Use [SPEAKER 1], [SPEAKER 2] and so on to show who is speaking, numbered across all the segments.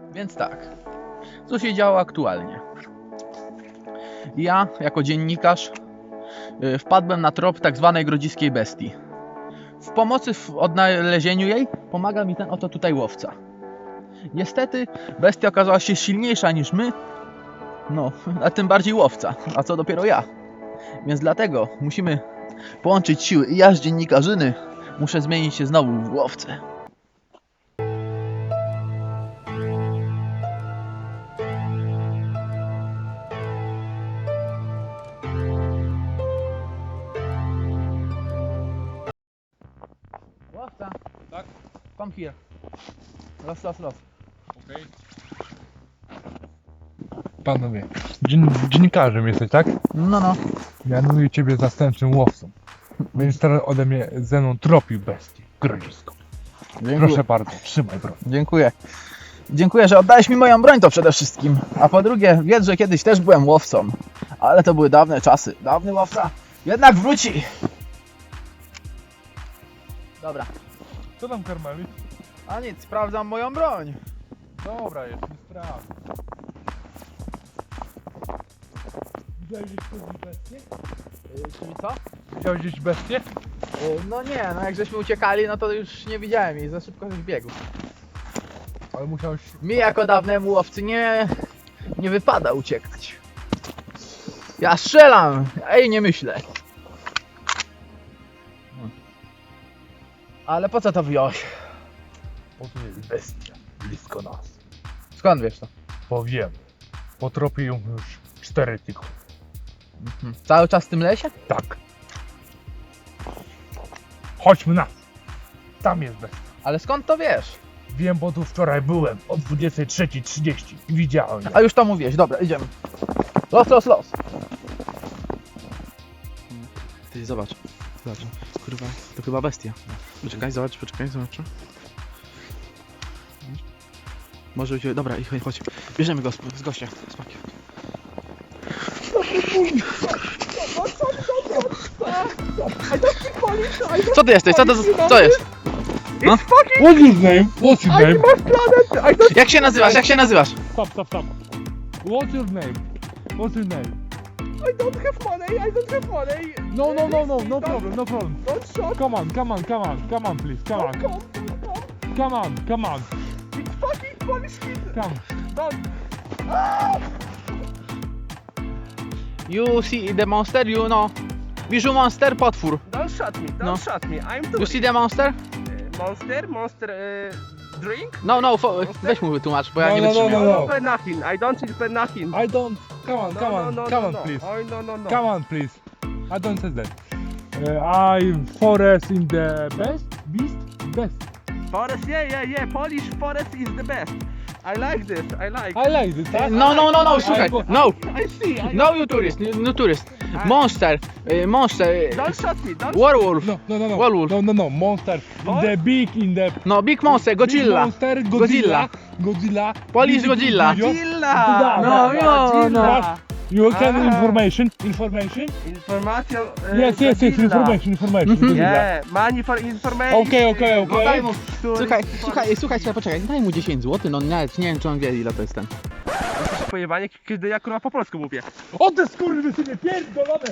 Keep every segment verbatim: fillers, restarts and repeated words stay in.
[SPEAKER 1] Więc tak, co się działo aktualnie? Ja, jako dziennikarz, yy, wpadłem na trop tak zwanej grodziskiej bestii. W pomocy w odnalezieniu jej pomaga mi ten oto tutaj łowca. Niestety bestia okazała się silniejsza niż my, no, a tym bardziej łowca, a co dopiero ja. Więc dlatego musimy połączyć siły i ja z dziennikarzyny muszę zmienić się znowu w łowcę. Łowca,
[SPEAKER 2] Tak?
[SPEAKER 1] come here. Los, los, los.
[SPEAKER 2] Okej. Panowie, dzien dziennikarzem jesteś, tak?
[SPEAKER 1] No, no.
[SPEAKER 2] Mianuję ciebie zastępczym łowcą. Będziesz teraz ode mnie ze mną tropił bestię grodziską.
[SPEAKER 1] Dziękuję.
[SPEAKER 2] Proszę bardzo, trzymaj broń.
[SPEAKER 1] Dziękuję. Dziękuję, że oddałeś mi moją broń, to przede wszystkim. A po drugie, wiedz, że kiedyś też byłem łowcą. Ale to były dawne czasy. Dawny łowca jednak wróci. Dobra.
[SPEAKER 2] Co tam, Karmeli?
[SPEAKER 1] A nic, sprawdzam moją broń.
[SPEAKER 2] Dobra, jest mi sprawa. Widziałeś gdzieś kiedyś bestię?
[SPEAKER 1] Yy, czyli co?
[SPEAKER 2] Widziałeś gdzieś bestię?
[SPEAKER 1] Yy, no nie, no jak żeśmy uciekali, no to już nie widziałem jej. Za szybko żeś biegł.
[SPEAKER 2] Ale musiałeś...
[SPEAKER 1] Mi jako dawnemu łowcy nie, nie wypada uciekać. Ja strzelam, ej, nie myślę. Ale po co to wyjąłeś?
[SPEAKER 2] O, tu jest bestia, blisko nas.
[SPEAKER 1] Skąd wiesz to?
[SPEAKER 2] Powiem, potropię ją już cztery tygodnie.
[SPEAKER 1] Mhm. Cały czas w tym lesie?
[SPEAKER 2] Tak. Chodźmy na. Tam jest bestia.
[SPEAKER 1] Ale skąd to wiesz?
[SPEAKER 2] Wiem, bo tu wczoraj byłem o dwudziestej trzeciej trzydzieści i widziałem ją.
[SPEAKER 1] A już to mówiłeś, dobra, idziemy. Los, los, los. Ty zobacz, zobacz, kurwa, to chyba bestia. Poczekaj, zobacz, poczekaj, zobacz. Może być, dobra, i chodź, chodź. Bierzemy go z, z gościa, z pakiem. Co ty jesteś? Co to, co jest? No?
[SPEAKER 2] What's his name? What's his name?
[SPEAKER 1] Jak się nazywasz? Jak się nazywasz?
[SPEAKER 2] Stop, stop, stop. What's your name? What's your name?
[SPEAKER 3] I don't have money, I don't have money.
[SPEAKER 2] No, no, no, no, no problem, no problem.
[SPEAKER 3] Don't shot.
[SPEAKER 2] Come on, come on, come on, come on, please, come on,
[SPEAKER 3] Come, don't come.
[SPEAKER 2] come on, come on,
[SPEAKER 3] It's fucking Polish kid.
[SPEAKER 2] come.
[SPEAKER 3] Don't.
[SPEAKER 1] You see the monster? You know. Bijou monster, potwór.
[SPEAKER 3] Don't shot me. Don't
[SPEAKER 1] No.
[SPEAKER 3] shot me. I'm
[SPEAKER 1] You
[SPEAKER 3] tourist.
[SPEAKER 1] see the monster?
[SPEAKER 3] Uh, monster, monster uh, drink.
[SPEAKER 1] No, no, fo- weź mu wytłumacz, bo ja
[SPEAKER 2] No,
[SPEAKER 1] nie
[SPEAKER 2] no, no,
[SPEAKER 1] wytrzymiałem.
[SPEAKER 2] no, no.
[SPEAKER 3] Pay nothing. I don't need pay nothing.
[SPEAKER 2] I don't, come on, come on,
[SPEAKER 3] no, no,
[SPEAKER 2] come
[SPEAKER 3] no,
[SPEAKER 2] on,
[SPEAKER 3] no.
[SPEAKER 2] please.
[SPEAKER 3] Oh, no, no, no.
[SPEAKER 2] Come on, please. I don't say that. Uh, I'm forest in the best, beast, best.
[SPEAKER 3] Forest, yeah, yeah, yeah. Polish forest is the best. I like this. I like.
[SPEAKER 2] I like this. I,
[SPEAKER 1] No, no, no, no,
[SPEAKER 2] I
[SPEAKER 1] słuchaj,
[SPEAKER 2] go-
[SPEAKER 1] no,
[SPEAKER 3] I see. I
[SPEAKER 1] no you tourist, no tourist. Monster, y, monster, y,
[SPEAKER 3] Don't shot me. Don't.
[SPEAKER 1] werewolf,
[SPEAKER 2] No, no, no, no.
[SPEAKER 1] Werewolf.
[SPEAKER 2] No, no, no. Monster. In
[SPEAKER 3] What?
[SPEAKER 2] the big, in the
[SPEAKER 1] no big monster,
[SPEAKER 2] big
[SPEAKER 1] Godzilla,
[SPEAKER 2] monster,
[SPEAKER 1] Godzilla.
[SPEAKER 2] Godzilla. Godzilla.
[SPEAKER 1] Polish
[SPEAKER 2] Big
[SPEAKER 1] Godzilla.
[SPEAKER 3] Godzilla.
[SPEAKER 1] No, no,
[SPEAKER 3] Godzilla.
[SPEAKER 2] You can
[SPEAKER 3] Ah.
[SPEAKER 2] information, information.
[SPEAKER 3] Information. Uh,
[SPEAKER 2] Yes, yes, yes.
[SPEAKER 3] Godzilla.
[SPEAKER 2] Information, information. Godzilla.
[SPEAKER 3] Yeah, money for information.
[SPEAKER 2] Okay, okay,
[SPEAKER 1] No daj
[SPEAKER 2] okay.
[SPEAKER 1] mu, słuchaj, słuchaj, słuchaj, słuchaj, poczekaj, daj mu dziesięć złotych, no nawet nie wiem czy on wie ile to jest ten.
[SPEAKER 3] Pojebanie, kiedy ja kurwa po polsku mówię.
[SPEAKER 2] O te skurwysyny pierdolone!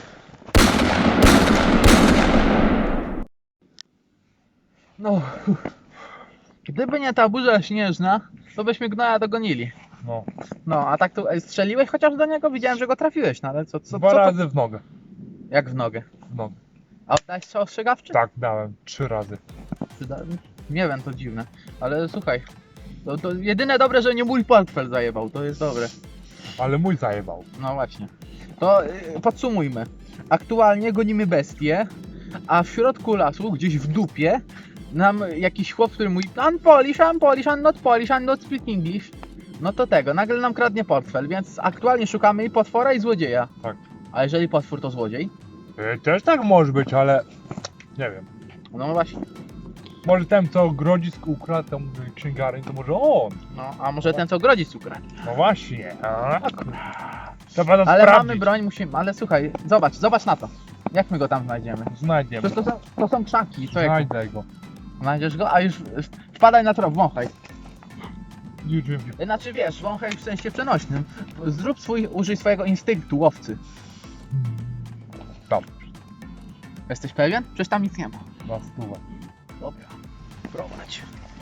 [SPEAKER 1] No, gdyby nie ta burza śnieżna, to byśmy gnoja dogonili.
[SPEAKER 2] No,
[SPEAKER 1] No, a tak tu ej, strzeliłeś chociaż do niego? Widziałem, że go trafiłeś, no ale co, co,
[SPEAKER 2] dwa
[SPEAKER 1] co to?
[SPEAKER 2] razy w nogę.
[SPEAKER 1] Jak w nogę.
[SPEAKER 2] W nogę.
[SPEAKER 1] A oddałeś strzał ostrzegawczy?
[SPEAKER 2] Tak, dałem. Trzy razy.
[SPEAKER 1] Przyda- Nie wiem, to dziwne. Ale słuchaj, to, to jedyne dobre, że nie mój portfel zajebał, to jest dobre.
[SPEAKER 2] Ale mój zajebał.
[SPEAKER 1] No właśnie. To y, podsumujmy. Aktualnie gonimy bestię, a w środku lasu, gdzieś w dupie, nam jakiś chłop, który mówi I'm Polish, I'm Polish, I'm not Polish, I'm not speak English. No to tego, nagle nam kradnie portfel, więc aktualnie szukamy i potwora i złodzieja.
[SPEAKER 2] Tak.
[SPEAKER 1] A jeżeli potwór to złodziej?
[SPEAKER 2] E, Też tak może być, ale nie wiem.
[SPEAKER 1] No właśnie.
[SPEAKER 2] Może ten, co grodzisk ukradł tam księgarni, to może on.
[SPEAKER 1] No, a może ten co grodzi cukra.
[SPEAKER 2] No właśnie. A, kurwa. Trzeba to
[SPEAKER 1] Ale
[SPEAKER 2] sprawdzić.
[SPEAKER 1] mamy broń, musimy, ale słuchaj, zobacz, zobacz na to. Jak my go tam znajdziemy?
[SPEAKER 2] Znajdziemy.
[SPEAKER 1] Przecież to są, to są krzaki, co jak
[SPEAKER 2] Znajdę go.
[SPEAKER 1] znajdziesz go, a już wpadaj na trop, wąchaj.
[SPEAKER 2] You dream.
[SPEAKER 1] Znaczy wiesz, wąchaj w sensie przenośnym. Zrób swój, użyj swojego instynktu łowcy.
[SPEAKER 2] Dobrze.
[SPEAKER 1] Jesteś pewien? Przecież tam nic nie ma.
[SPEAKER 2] Na stówę.
[SPEAKER 1] Dobra, prowadź.